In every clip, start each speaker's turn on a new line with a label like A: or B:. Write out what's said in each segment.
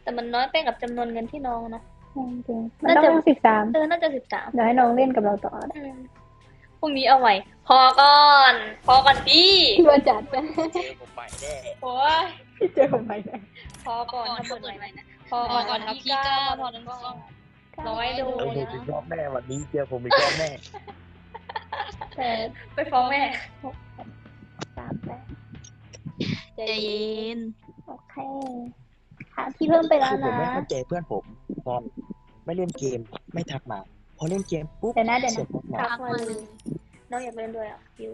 A: แต่มันน้อยไปกับจำนวนเงินที่น้องเนาะ
B: จริงๆมันต้อง13
A: น่าจะ13
B: เดี๋ยวให้น้องเล่นกับเราต่อนะ
A: พรุ่งนี้เอาใหม่พอก่อนดี
B: รัวจัดนะ
C: เจอผมใหม่แน่
A: โอ้ย
B: เจอผมไปไหน
A: พอก่อนถ้าเปิดใหม่นะพอก่อนครับพี่ก้าพอนั้นก็100 โด
C: ผม
A: นะ
C: อีกรอบแน่วันนี้เจอผมอีกรอบแน่
B: แต่
A: ไปฟ้องแม่
B: 38
A: ใจเย็น
B: โอเคค่ะพี่เพิ่มไปแล้ว
C: คือผม
B: นะ
C: ไม่เข้าใจเพื่อนผมตอนไม่เล่นเกมไม่ทักมาพอเล่นเกมปุ๊บ
B: เดี๋ยวนะ
C: เสียทักมา
A: ทักมาเลยน้องอยากเล่นด้วยอ่ะยู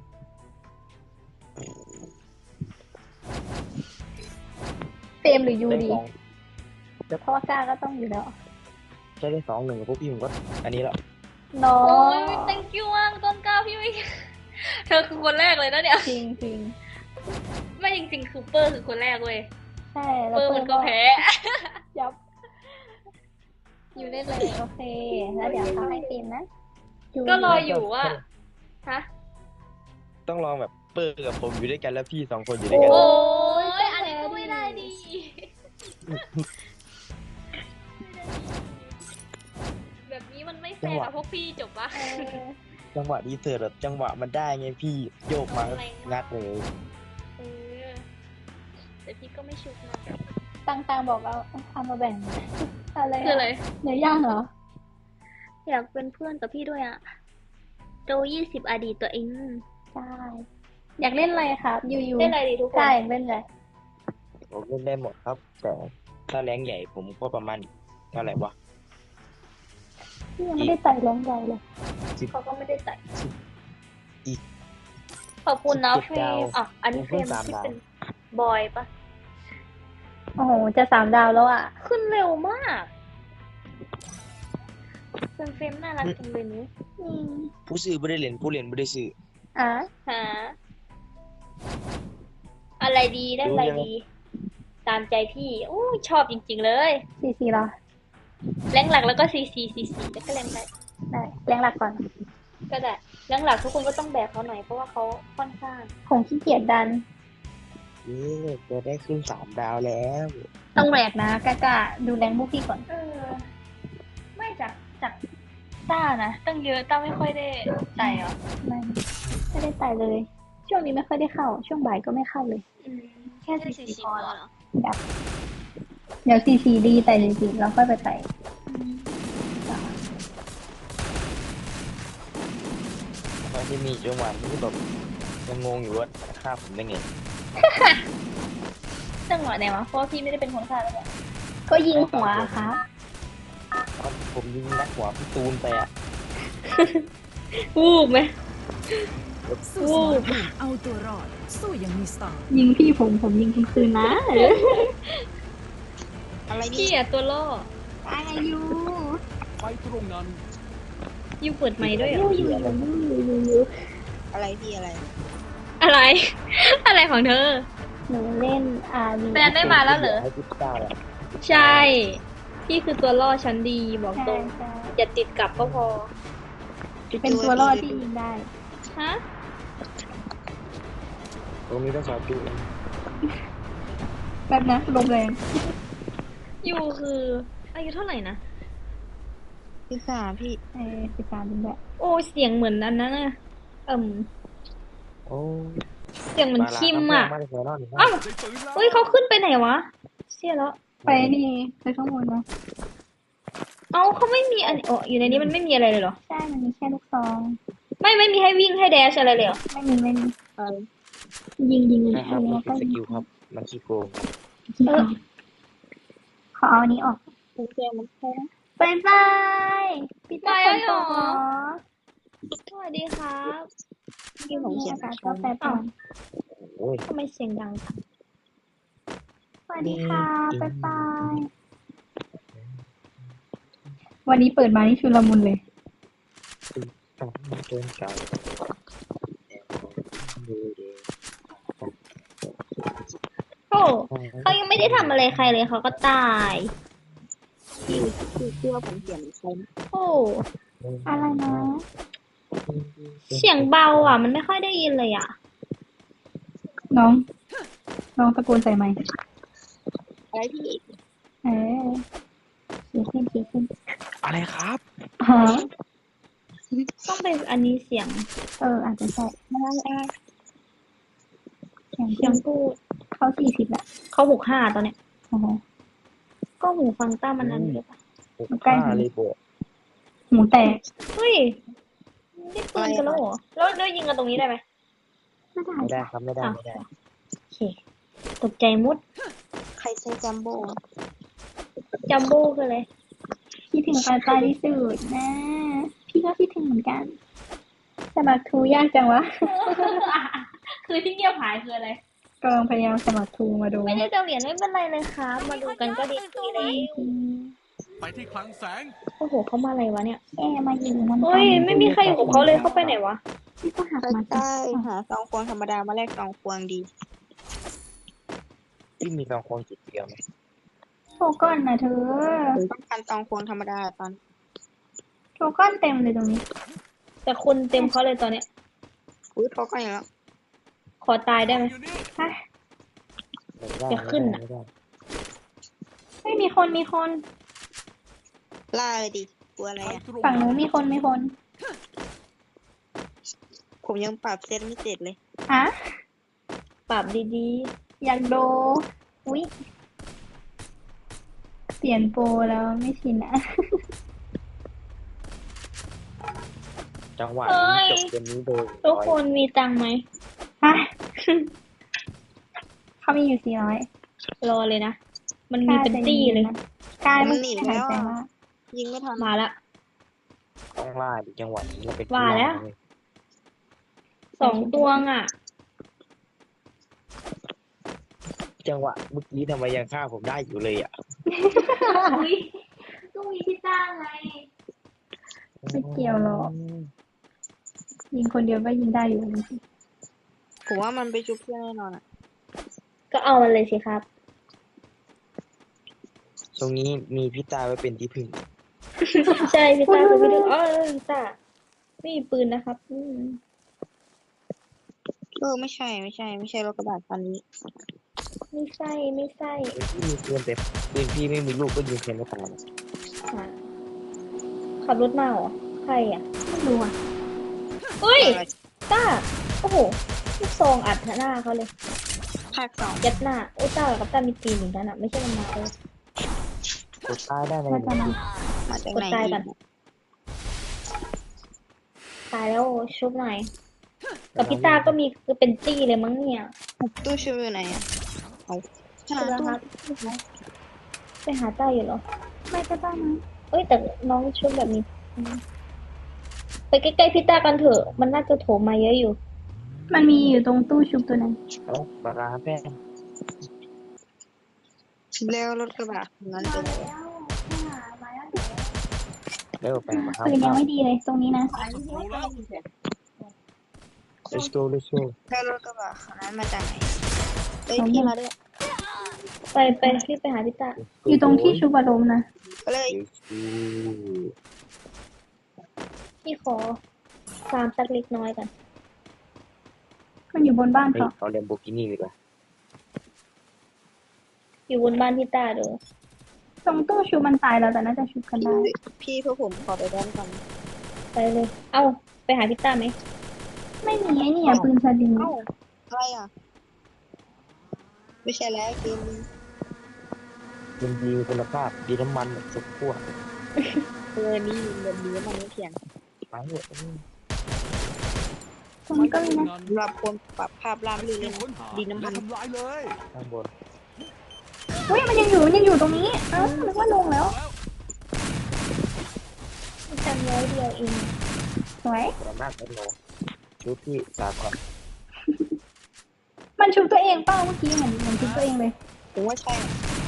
B: เฟรมหรือยู
C: ได้
B: ดี
C: สอง
B: เพราะว่ากล้าก็ต้องอยู่แล้ว
C: ได้2-1พวกพี่ผมก็อันนี้แล้ว
B: น้อ
A: โอ้ย
B: ง
A: thank you มากต้นกล้าพี่ไม่เธอคือคนแรกเลยนะเนี่ย
B: จริงจริง
A: ไม่จริงๆคือเปอร์คือคนแรกเว้ย
B: ใช่แล้
A: เป
B: ว
A: อร์มันก็แพ้
B: ยับอยู่เล่นเลยโอเค แล้วเดี๋ยวเขาให้เฟรมนะ
A: ก็รออยู่ว่าฮะ
C: ต้องลองแบบเปิดกับผมอยู่ด้วยกันแล้วพี่2 คนอยู่ด้วยกัน
A: โอ้ยอันนี้ก็ไม่ได้ดีแบบนี้มันไม่แฟร์กับพวกพี่จบปะ
C: จังหวะดีเสิร์ตแบบจังหวะมันได้ไงพี่โยกมางัดเลย
A: เออแต่พี่ก็ไม่ชุกนะ
B: ตังบอกเอาเอามาแบ่งอะไร
A: คืออะไร
B: เนื้อย่างเหรอ
A: อยากเป็นเพื่อนกับพี่ด้วยอ่ะโจ20 อดีตตัวเอง
B: ใช่ อยากเล่นอะไรครับยู
A: เล่นอะไรดีทุกคน
B: ใช่เล่นอะไร
C: ผมเล่นได้หมดครับ แต่ถ้าแรงใหญ่ผมก็ประมาณเท่าไหร่วะ
B: พี่ยังไม่ได้ไต่แรงใหญ่เลย
A: เขาก็ไม่ได้ใส่
C: อีก
A: ขอบคุณนะ
C: 17
A: เฟรมอ่ะอันนี้เฟรม
C: ผมเพิ่ง
A: ที่
C: 3 ดาว
A: เป็นบอยปะ
B: โอ้โหจะ3 ดาวแล้วอ่ะ
A: ขึ้นเร็วมากเป็นเฟรมน่ารักจังเลยนี้
C: ผู้ซื้อไม่ได้เล่นผู้เล่นไม่ได้ซื้อ
B: อ่ะ
A: หาอะไรดีได้อะไรดี ตามใจพี่โอ้ยชอบจริงๆเลย
B: 4-4เหรอ
A: แรงหลักแล้วก็ซีแล้วก็แรงได้
B: ได้แรงหลักก่อน
A: ก็ได้แรงหลักทุกคนก็ต้องแบกเขาหน่อยเพราะว่าเขาค่อนข้าง
B: ผมขี้เกียจดัน
C: จะได้ขึ้น3 ดาวแล้ว
B: ต้องแบกนะกล้าดูแรงพวกพี่ก่อน
A: ไม่จากต้านะตั้งเยอะต้าไม่ค่อยได้ใจเหรอ
B: ไม่ได้ไต่เลย ช่วงนี้ไม่ค่อยได้เข้า ช่วงบ่ายก็ไม่เข้าเลย แค่4-4พอแล้วเดี๋ยว4-4ดีไต่จริงๆแล้วค่อยไปไต่
C: ตอนที่มีจังหวะที่แบบยังงงอยู่ว่าฆ่าผมได้ไง
A: จังหวะไหนวะเพราะว่าพี่ไม่ได้เป็นคนฆ่าแล้วเนี่ย
B: ก็ยิงหัวครับ
C: ตอนผมยิงนักหัวพี่ตูนไปอ่ะ
A: วูบไหม
D: สู้สมรภูมิเอาตัวรอด สู้อย่างมีสไตล์
B: ยิงพี่ผมยิงคุณคืนนะ
C: อะไร
A: พี่
C: นี่
A: อะตัวล่อ
B: อายุ
D: ไปตรงนั้น
A: ยูเปิดไมค์ด้วยเหรอ
B: อยู่
C: อะไรพี่อะไร
A: อะไร อะไรของเธอ
B: หนูเล่นRV
A: แฟนได้มาแล้วเหรอ
C: ให้พี่ต้าอะ
A: ใช่ พี่คือตัวล่อชั้นดีบอกตรง
B: ใช่
A: อย่าติดกลับก็พอ
B: เป็นตัวรอดที่ยิงได้
A: ฮะ
C: ตรงนี้ต้องสอบดู
B: แบบนะลมแรง
A: ยูคืออายุเท่าไหร่นะ
C: 13พี่
B: 13เป็นแบบ
A: โอ้เสียงเหมือนอันนั้นน่ะ
C: โอ้
A: เสียงเหมือนคิมอ่ะ
C: มาเลยแน่นอน
A: อ้าว
D: ได้ปืนแล้ว
A: เฮ้ยเขาขึ้นไปไหนวะ เสียแล้ว
B: ไปนี่ไปข้างบนนะ
A: เอ้าเขาไม่มีอันโอ้อยู่ในนี้มันไม่มีอะไรเลยเหรอ
B: ใช่มันมีแค่ลูกซอง
A: ไม่มีให้วิ่งให้แดชอะไรเลยเหรอ
B: ไม่มียิง
C: นะครับมัน
B: แล้ว
C: คือ
B: ก็
C: สกิลครับ มันขี้โกง
B: ขอเอาอันนี้ออกบายบายปิดตาฝนตกเหรอ
A: สวัสดีครับ
B: ที่ผมเขียนก็แปลก่อน
C: โอ้ย
A: ทำไมเสียงดัง
B: สวัสดีค่ะบายบาย วันนี้เปิดมานี่ชุลมุนเลย
C: ต้องเกินเก่า
A: โอ้เขายังไม่ได้ทำอะไรใครเลยเขาก็ตายชื่อว่าผมเสียงใครโอ้
B: อะไรนะ
A: เสียงเบาอ่ะ มันไม่ค่อยได้ยินเลยอ่ะ
B: น้องตะโกนใส่ไมค์
A: อะไรพี่
B: ไหนเออขี่ขึ้น
C: อะไรครับ
B: อ๋อ
A: ต้องเป็นอันนี้เสียง
B: อาจจะใช่
A: อะไร
B: เสียง
A: เสียงพูด
B: เขา40ละ
A: เขา65ตอนเนี้ย
B: โอ้โห
A: ก็หูฟังต้ามันนั้นเลยปะ
B: ใกล้
C: 65เลยโบ
B: หมูแตก
A: เฮ้ยได้ปืนกันแล้วเหรอแล้วยิงกันตรงนี้ได้ไหม
B: ไม่ได้
C: ไม่ได้ครับไม่ได้
A: อ้าว
C: ไม่ได้
A: โอเคตกใจมุด
E: ใครใช้จัมโบ้
A: จัมโบ้คืออะไร
B: คิดถึงปลาปลาที่สุดนะ พี่ก็คิดถึงเหมือนกันสมัครทูยากจังวะ
A: คือที่เงียบหายคืออะไร
B: กำลังพยายามสมัครทูมาดู
A: ไม่ได้จะเหรียญไม่เป็นไรเลยครับ มาดูกันก็ดีเลย
F: ไปที่คลังแสง
A: โอ้โหเขามาอะไรวะเนี่ย
B: มาอยู่น้ำ
A: เฮ้ยไม่มีใครอยู่กับเขาเลยเขาไปไหนวะ
B: พี่ก็หัก
E: ใคร
B: มา
E: ได้หาซองควงธรรมดามาแลกซองควงดี
C: ที่มีซองควงจิตเดียวไหม
B: โทก้อนนะเธอ
E: ผมต้องการซองควงธรรมดาตอน
B: โทก้อนเต็มเลยตรงนี้
A: แต่คนเต็มเขาเลยตอนเนี้ย
E: อุ้ยโทรก็อย่างแล้ว
A: ขอตายได้ไหม
F: อยู่นี่
B: ฮะ
C: ไม่ได้
A: จะขึ้นน่ะ
C: ไม่ได้
B: ไม่มีคน
E: ล่าเลยดิกลัวอะไรอ่ะ
B: ฝั่งนู้นมีคน
E: ผมยังปรับเซตไม่เสร็จเลย
B: ฮะ
A: ปรับดี
B: อยากโดอุ๊ยเปลี่ยนโปรแล้วไม่ชินอะ
C: จังหวะ
A: เฮ้
C: นี้
A: ย
C: จบเกมนี้โดย
A: ๆทุกคนมีตังค์ไหม
B: ฮะ เขามีอยู่400
A: รอเลยนะ มันมีเป็นตี้เลย
B: กาย
E: มั
B: มัน
E: นหนี
B: หาย
E: แล้ว
B: ใจ
E: อะ
B: มาก
E: ยิงไม่ทัน
A: มาละ
C: ต้องล่าดิจังหวะนี้เราเป็น
A: ว่าแล้ว
C: เย
A: 2 ตัวอ่ะ
C: จังหวะเมื่อกี้ทำไมยังฆ่าผมได้อยู่เลยอ่ะ
A: อุ้ยต้องมีที่ตั้งไง
B: ไม่เกี่ยวหรอก ยิงคนเดียวก็ยิงได้อยู่จริง
E: ผมว่ามันไปชุบเพื่อนแน่นอนอ่ะ
A: ก็เอามันเลยสิครับ
C: ตรงนี้มีพี่ตาไว้เป็นที่พึ่ง
A: ใช่พี่ต้าคือพี่ดึงพี่ต้าไม่มีปืนนะครับ
E: ไม่ใช่รถกระบะคันนี้
A: ไม่ใช่
C: พี่มีปืนแต่ปืนพี่ไม่มีลูกก็ยิงแค่ไม่ตาย
A: อ่ะขับรถมาเหรอ ใครอ่ะ
B: ๆไม่รู้อ่ะ
A: เฮ้ย ต้า โอ้โหลูกซองอัดหน้าเขาเลย
E: ภาคสอง
A: ยัดหน้า โอ้ต้ากับต้ามีตีนเหมือนกันอ่ะ ไม่ใช่มันมาเลย
C: กดตายได้ไหม
B: เราจะมา
E: มาจาก
A: กด
E: ไหน
A: ตาย
E: อี
A: กัน
E: ก
A: ตายแล้วชุบหน่อย กับพี่ต้าก็มีคือเป็นตี้เลยมั้งเนี่ย
E: ตู้ชุบอยู่ไหนอ่ะเอาหา
A: ใช่แล้ว
E: ตู้
A: ครับไปหาต้าอยู่เหรอ
B: ไม่ก็ได้นะ
A: เอ้ยแต่น้องชุบแบบนี้ไปใกล้ๆพี่ต้ากันเถอะ มันน่าจะโถมมาเยอะอยู่
B: มันมีอยู่ตรงตู้ชุบตัวนั้น
C: เอ้าปลาร้าแป้ง
E: แล้วรถกระบะคันนั้นเป็นไง
C: เร็วแป้งมาครับ
B: ปืนยังไม่ดีเลยตรงนี้นะ
F: รู้แล้ว
C: let's go let's go
E: แล้วรถกระบะคันนั้นมาจากไหนเอ้ยพี่มาด้วย
A: ไปรีบไปหาพี่ต้า
B: อยู่ตรงที่ชุบอารมณ์นะ
E: ก็เลย
A: พี่ขอฟาร์มสักเล็กน้อยกัน
B: มันอยู่บนบ้าน
C: เฮ้ย
B: เขา
C: เอาเลมโบกินี่ดีกว่า
A: อยู่บนบ้านพี่ต้าเด้อ
B: ตรงตู้ชุบมันตายแล้วแต่น่าจะชุบกันได้
E: พี่พวกผมขอไปด้านก่อน
A: ไปเลย เอ้า ไปหาพี่ต้าไหม
B: ไม่มีไอ้นี่อ่ะปืนสลิง
E: เอ้าอะไรอ่ะ ไม่ใช่แล้วเกมนี้
C: มันดีคุณภาพดีน้ำมันแบบสุดขั้ว
E: นี่แบบนี้มันไม่เถียง
C: ไปเถอะ
B: ตรงนี้ก็มีนะ
E: สำหรับคนปรับภาพล่ามลื่นเลยนะ
F: ค้นหา
E: ดินน้ำมัน
F: และทำลายเลย
C: ข้างบน
B: เฮ้ยมันยังอยู่ตรงนี้เอ้านึกว่าลงแล้ว
A: พี่ตังร้อยเดียวเอง
B: สวย
C: สามารถเป็นโลชุดที่สากล
B: มันชุบตัวเองเปล่าเมื่อกี้เหมือนชุบตัวเองเลย
E: ผมว่าใช่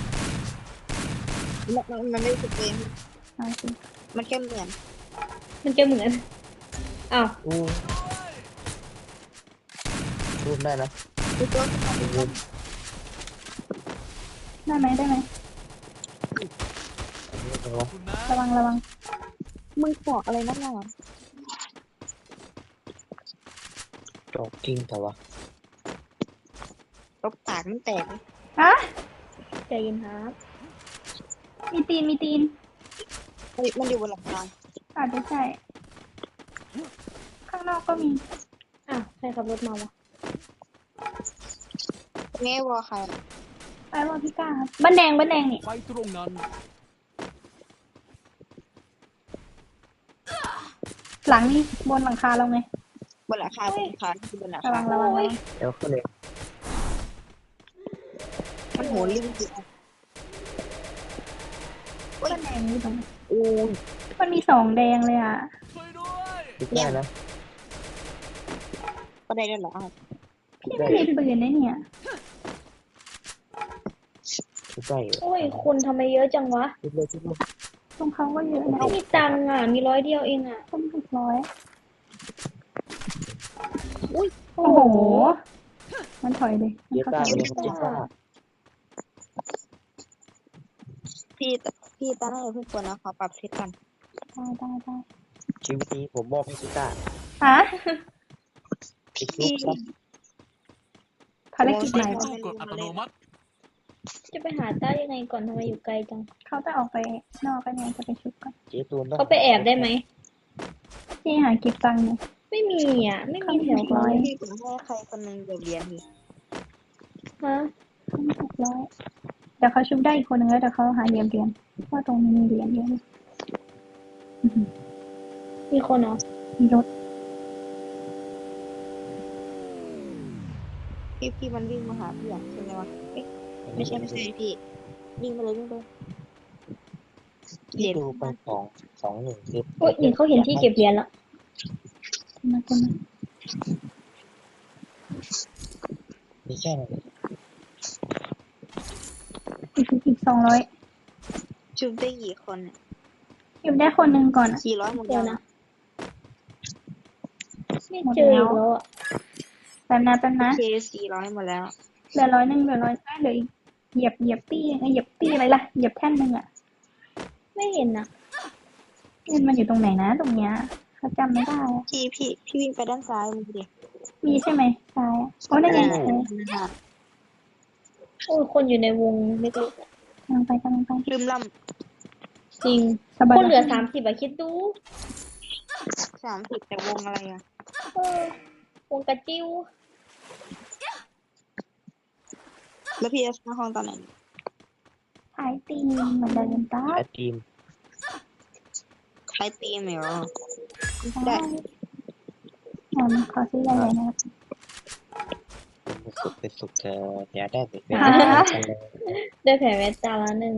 E: มันไม่ถูกเอง
B: เอาสิ
E: มันแค่เหมือน
A: มันจะเหมือน อ้าว
C: อู้รูปได้นะ
E: คือตัว
C: รูป
B: ได้ไหม
C: อันนี้เป็น
F: คุณนะ
B: ระวัง
E: มึงบอกอะไรนักหนา
C: จอกกิ้งแต่ว่า
E: ตบปากมันแตกเลย
B: ฮะ
A: ใจเย็นครับ
B: มีตีนมีตีน
E: เฮ้ยมันอยู่บนหลังคา
B: อาจจะใช่ข้างนอกก็มี
A: อ้าวใครขับรถมาวะ
E: แง่วอใคร
B: ไปว่าพี่ก้าครับบ้านแดงนี่
F: ไปตรงนั้น
B: หลังนี่บนหลังคาเราไง
E: บนหลังคาบนหลังคาบนหลัง
B: ระ
E: คา
B: วังระวังระวัง
C: เดี๋ยวก็เลย
E: มันโหลิงจริง
B: บ้านแดงนี่ตรงไหน
E: โอ้ย
B: มันมีสองแดงเลยอ่ะ
F: ช่วยด้วย
C: คิดได้นะ
E: ก็ได้ด้วยเหรออ้าว
B: พี่ไม่มีปืนนะเนี่ย
C: คิดได้อยู่
A: โอ้ยคนทำไมเยอะจังวะ
C: คิดเลยคิดเลย
B: ตรงเขาก็เยอะนะ
A: ไม่มีตังค์อ่ะ มี100เดียวเองอ่ะ
B: ต้ม600
A: อุ้ย
B: โอ้โห มันถอยเลยมัน
C: เย
B: เข้า
C: ต้า
B: ทาง
C: ไปเลยครับเยต้า
E: พี่ตั้งให้เพื่อนคนนะขอปรับเซตกัน
B: ได้
C: ชีวิตนี้ผมมอบให้เยต้า
B: ฮะ
C: คิดลุกครับ
B: ภารกิจใหม่
F: ตู้กดอัตโนมัติ
A: จะไปหาต้ายังไงก่อนทำไมอยู่ไกลจัง
B: เขาจะออกไปนอกกันไงจะไปชุบกัน
C: เจ๊ตูน
A: เขาไปแอบได้ไหม
B: ที่หาเก็บตังค์เนี่ย
A: ไม่มีอ่ะ ไม่มีแถว
B: ร้
A: เขา
B: อย
E: พี่ผมให้ใครคนหนึงเดี๋ยวเรียนพี่
A: ฮะ
B: 600เดี๋ยวเขาชุบได้อีกคนนึงแล้วเดี๋ยวเขาหาเหรียญว่าตรงนี้มีเหรียญเยอะเลยอื้อหือ
A: มีคนเหรอ
B: มีรถ
E: พี่มันวิ่งมาหาพี่อ่ะใช่ไหมวะเอ๊ะไม่ใช่พี่วิ่งไปเลยวิ่งไปเหรี
C: ที่
E: ยญ
C: ดูไป2-1คือ
A: โอ้ยนี่เขาเห็นที่เก็บเหรียญแล้ว
B: มา
C: มีแค่นั้น
B: อีก200
E: ชุบได้กี่คนเนี่ย
B: เก็บได้คนหนึ่งก่อนอะ
E: 400หมด
A: เดี๋
E: แล้
A: ยว ว
E: นะ
A: นะ ไม่เจออีกแล้วอ่ะ
B: แป๊บนะ
E: โอเค400หมดแล้ว
B: เหลือ100เหลืออีกเหยียบตี้อะไรล่ะเหยียบแท่นหนึ่งอ่ะ
A: ไม่เห็นนะ
B: เงินมันอยู่ตรงไหนนะตรงเนี้ยเขาจำไม่ได้อะ
E: พี่วิ่งไปด้านซ้ายมึงดิ
B: มีใช่ไหมซ้ายอะโอ้นั่นไง
A: โอ้ยคนอยู่ในวงเล็ก
B: กำลังไป
E: ลืมล่
A: ๆจริง
B: สบาย
A: คนเหลือ30อะคิดดู
E: ำ30แต่วงอะไรอ่ะ
A: เออวงกระจิ้ว
E: แล้วพี่จะสร้างห้องตอนไหน
B: ถ่ายตีมเหมือนเดิมป้า
C: แอดทีม
E: ใช้ตีมเหรอ
B: ได้ขอซื้อใหญ่ๆนะครับ
C: เป็นสุขเธออย่าได้เป็น
B: ฮะ
A: ได้แผลแม่ตาละหนึ่ง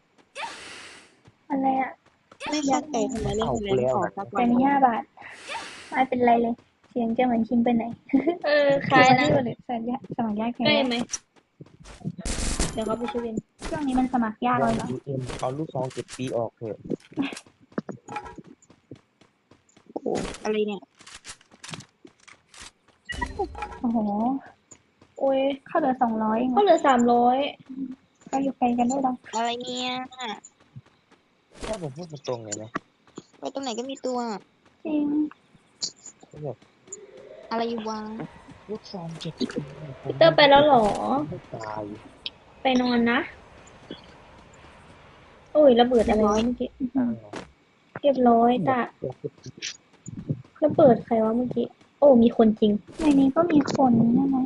B: อะไรอ่ะ
E: ไม่เข้าใจทำไมเล่นเล่นของสัก
B: ไป
E: วัน
B: นี่5 บาทไม่เป็นไรเลย เสียงจะเหมือนคิมไปไหน
A: เออคล้ายนะ
B: ที่วันสมัครยากแค่
A: ใกล้ไหม เดี๋ยวเขาไปช่วยเอง
B: ช่วงนี้มันสมัครยากเลยเหรอ
C: UM เอาลูกซอง7 ปีออกเถอะ
E: โอ้โหอะไรเนี่ย
B: โอ้โห
A: โอ้ย
B: เข้าเหลือ200เอง
A: เขาเหลือ300
B: ก็อยู่ไกลกันด้วยหรอ
E: อะไรเนี่ย
C: ถ้าผมพูดตรงๆเลยนะ
E: ไปตรงไหนก็มีตัว
B: จริง
C: แบบ
E: อะไรอยู่วะ
C: ลูกซอง7 ปี
A: พีเตอร์ไปแล้วเหรอ
C: ไม่ตาย
A: ไปนอนนะ โอ้ยระเบิดอะไรวะเมื่อกี้เรียบร้อยตาระเบิดใครวะเมื่อกี้ โอ้มีคนจริง
B: ในนี้ก็มีคนใช่ไหม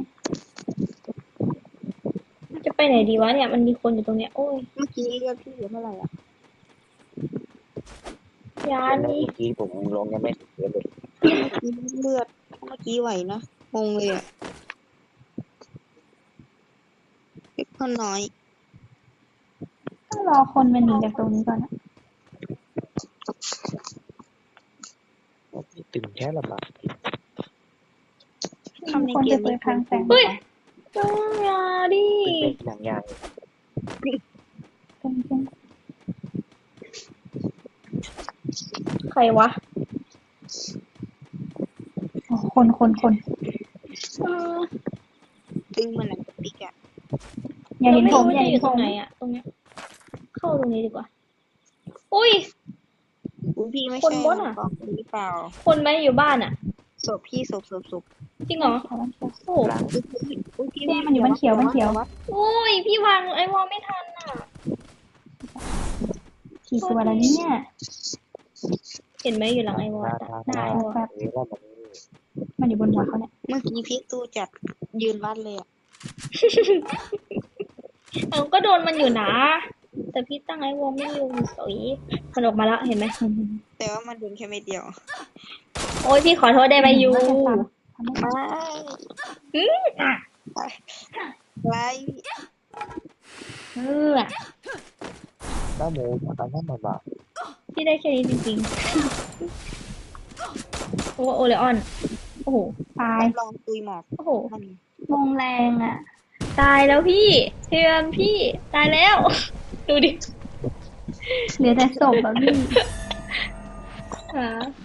A: จะไปไหนดีวะเนี่ย มันมีคนอยู่ตรงเนี้ย โอ้ย
E: เมื่อกี้เลือดพี่เหลือเท่าไหร่อ่ะ
A: ยา
C: แล้ว
A: นี่
C: เมื่อกี้ผมลงยังไม่ถึงเลย
E: เลือดเมื่อกี้ไหวนะงงเลยอ่ะเล็กคนน้อย
B: ต้องรอคนมันหนีจากตรงนี้ก่อนอะ
C: ตึงแค่ละบาท
E: ทำใน
B: คน
E: เก
B: จะ
E: ม
B: เปิดทางแสง
A: เฮ้ยยาดิ
C: เป็นอย่าง
B: จริง
A: ใครวะ
B: ๆโอ้คน
A: เออ
E: ตึงเหมือนหนังสติ๊กอ่ะ
B: อย่าเห็นผม
A: เรา
B: อย่า
A: ไม่รู้จะอ
B: เห็น
A: ยู่
B: ผ
A: ตรง
B: ม
A: ไหนอะตรงเนี้ย เข้าตรงนี้ดีกว่า อุ้ย
E: อุ้ยพี่ไม่
A: คน
E: ใช่
A: บดอะ
E: บอกหรือเปล่า
A: คนไหมอยู่บ้านอะ
E: ศพพี่ศพ
A: จริงเหรอ โอ้โห
C: หลัง
E: อุ้ยพี่
B: เนี่ยมันอยู่บนเขียว
A: โอ้ย พี่วางไอ้วอลไม่ทันอะ
B: กี่ตัวแล้วเนี่ย
A: เห็นไหมอยู่หลังไอวอล
B: ได้
A: วอล
B: แบบ
C: หรือว่ามัน
B: มันอยู่บนหัวเขาเนี่ย
E: เมื่อกี้พี่ตู้จัดยืนวัดเลยอ่ะ
A: เอาก็โดนมันอยู่นะ แต่พี่ตั้งไอวอลไม่อยู่สวยมันออกมาแล้วเห็นไหม
E: แต่ว่ามันโดนแค่เม็ดเดียว
A: โอ้ยพี่ขอโทษได้ไหมยู
E: ไม่ไร
A: เออ
C: น้าหมูจากนั้นมาบ้า
A: พี่ได้แค่นี้จริงๆโอ้โอเลออน โอ้โห
B: ตาย
E: ลองตุยหมอก
A: โอ้โห
E: มัน
B: วงแรงอ่ะ
A: ตายแล้วพี่เทียนพี่ ตายแล้ว ดูดิ
B: เหลือแต่ศพอะพี่
A: หา